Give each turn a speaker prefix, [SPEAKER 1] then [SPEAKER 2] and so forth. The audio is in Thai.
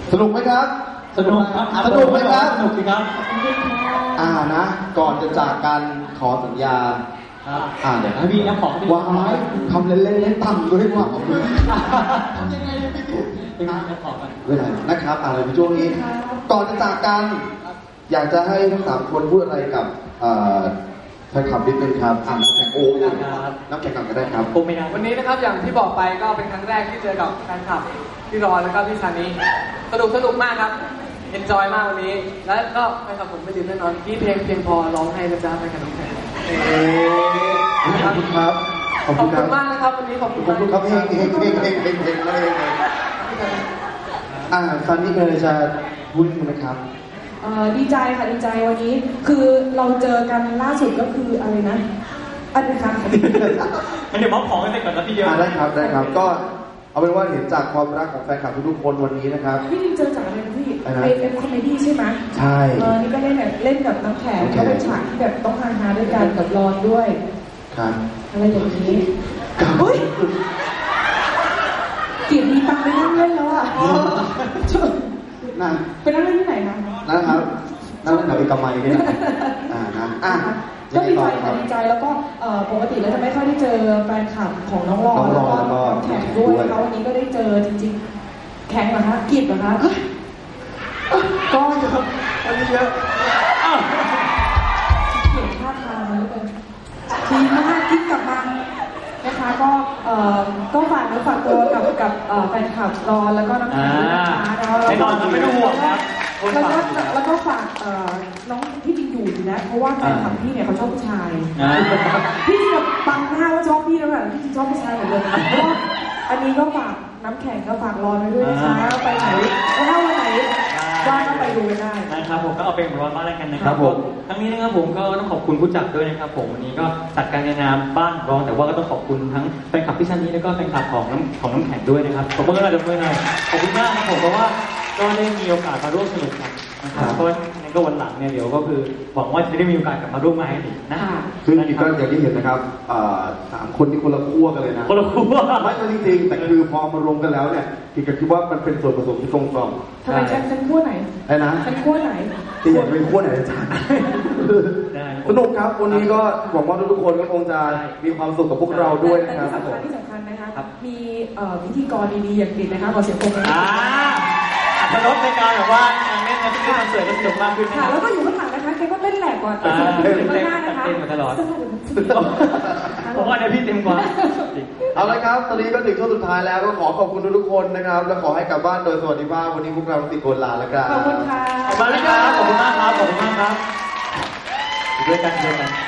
[SPEAKER 1] สนุกไหมครับ
[SPEAKER 2] สนุกครับ
[SPEAKER 1] สนุกไหมครับ
[SPEAKER 2] สนุกสิครับ
[SPEAKER 1] นะก่อนจะจากกันขอสัญญา
[SPEAKER 2] เดี๋ยวให้พี่น้ำของ
[SPEAKER 1] วางไม้ทำเล่นๆต่ำด้วยว่าของพี่
[SPEAKER 2] ทำยังไงพี่ตุ๊กเป็นน้ำของกัน
[SPEAKER 1] เวลานะครับอะไรในช่วงนี้ก่อนจะจากกันอยากจะให้ทั้ง3คนพูดอะไรกับแฟนคลับนิดนึงครับน้ำแข็งโอ้น้ำแข็งกันก็ได้ครับ
[SPEAKER 2] โอ้ไม่ได้
[SPEAKER 3] วันนี้นะครับอย่างที่บอกไปก็เป็นครั้งแรกที่เจอกับแฟนคลับพี่รอนแล้วก็พี่ซานีสนุกมากครับเอนจอยมากวันนี้แล้วก็แฟนคลับผมไม่ลืมแน่นอนที่เพลงเพียงพอร้องให้นะจ๊ะไปกับน้องแพร
[SPEAKER 1] ขอบคุณครับ
[SPEAKER 3] ขอบคุณมากนะครับวันนี้ขอบคุณ
[SPEAKER 1] ครับเฮงเลยซันนี่เลยจะพูดไหมครับ
[SPEAKER 4] ดีใจค่ะดีใจวันนี้คือเราเจอกันล่าสุดก็คืออะไรนะอันนี้ค่ะ
[SPEAKER 2] มันเดี๋ยวมอบของกันไปก่อนนะพี่เยอะ
[SPEAKER 1] ได้ครับก็เอาเป็นว่าเห็นจากความรักของแฟนคลับทุกคนวันนี้นะครับ
[SPEAKER 4] พี่เจอจากอะไรนะพี่เป็นคอมเมดี้ใช่ไหม
[SPEAKER 1] ใช่
[SPEAKER 4] นี่ก็เล่นกับน้ำแข็งก็เป็นฉากที่แบบต้องฮาด้วยกันกับรอนด้วย
[SPEAKER 1] ครับ
[SPEAKER 4] อะไรอย่างนี้เฮ้ยเกียรติมีตังไปนั่งเล่นแล้วอ่ะ
[SPEAKER 1] นั่ง
[SPEAKER 4] ไปนั่งเล่นที่ไหนคะ
[SPEAKER 1] นะครับนั่งเล่นแถวเอกมัยนี่นะ
[SPEAKER 4] ก็ดีใจแล้วก็ปกติเราจะไม่ค่อยได้เจอแฟนคลับของน้องรอนแล้วก็แข่งด้วยแล้ววันนี้ก็ได้เจอจริงๆแข่งเหรอคะกิจเหรอคะก็เยอะ
[SPEAKER 1] อันนี้เยอะ
[SPEAKER 4] เขียนท่าทางมันเลยดีมากกิ๊กกลับมานะคะก็ฝากเนื้อฝากตัวกับแฟนคลับรอนแล้วก็น้ำแข็งนะคะ
[SPEAKER 2] ไม่นอนไม่ต้องห่วงครับ
[SPEAKER 4] แล้วก็ฝากน้องที่จริงอยู่นะเพราะว่าแฟนคลับพี่เนี่ยเขาชอบผู้ชายพี่แบบบังหน้าว่าชอบพี่แล้วแบบพี่จริงชอบผู้ชายหมดเลยเพราะอันนี้ก็ฝากน้ำแข็งก็ฝากรอนไว้ด้วยนะคะไปไหนถ้าวันไหนว่างก็ไปดูกันได้
[SPEAKER 2] นะครับผมก็เอาเป็นของรอนบ้านแล้วกันนะครับผมทั้งนี้นะครับผมก็ต้องขอบคุณผู้จัดด้วยนะครับผมวันนี้ก็จัดการในนามบ้านรองแต่ว่าก็ต้องขอบคุณทั้งแฟนคลับพี่ซันนี่แล้วก็แฟนคลับของน้ำแข็งด้วยนะครับขอบคุณมากเลยขอบคุณมากครับผมเพราะว่าก็ได้มีโอกาสมาร่วมสนุกกันนะครับก็งั้นก็วันหลังเนี่ยเดี๋ยวก็คือหวังว่าจะได้มีโอกาสกลับมาร่วมงานอีกนะ
[SPEAKER 1] ซึ่งจริงๆก็อย่างที่เห็นนะครับ3 คนที่คนละขั้วกันเลยนะ
[SPEAKER 2] คนละขั้ว
[SPEAKER 1] ไม่จริงๆแต่คือพอมารวมกันแล้วเนี่ยที่ก็คิดว่ามันเป็นส่วนผสมที่กลมกล่อม
[SPEAKER 4] ทำไมฉันขั้วไหน
[SPEAKER 1] ไอ้นะ
[SPEAKER 4] ฉันขั้วไหน
[SPEAKER 1] ที่อยากเป็นขั้วไหนอาจารย์สนุกครับวันนี้ก็หวังว่าทุกคนก็คงจะมีความสุขกับพวกเราด้วยนะครับ
[SPEAKER 4] ที่สำคัญนะคะมีพิธีกรดีๆอย่างติดนะคะขอเสียงปรบมือ
[SPEAKER 2] สนุกในการแบบว่าการเล่นในที่คอนเสิร์ตก็สนุกมากขึ้น
[SPEAKER 4] ค่ะแล้วก็อยู่ข้างหลังนะคะแกก็เล่นแหลกก่อนข้างหน้านะคะ
[SPEAKER 2] เต้นมาตลอดผมว่าเดี๋ยวพี่เต็มกว่า
[SPEAKER 1] เอาละครับตอนนี้ก็ถึงช่วงสุดท้ายแล้วก็ขอขอบคุณทุกคนนะครับและขอให้กลับบ้านโดยสวัสดิภาพวันนี้พวกเราติดโกนลาแล้วครับ
[SPEAKER 4] ขอบคุณค่ะ
[SPEAKER 2] ขอบคุณมากครับขอบคุณมากครับด้วยกัน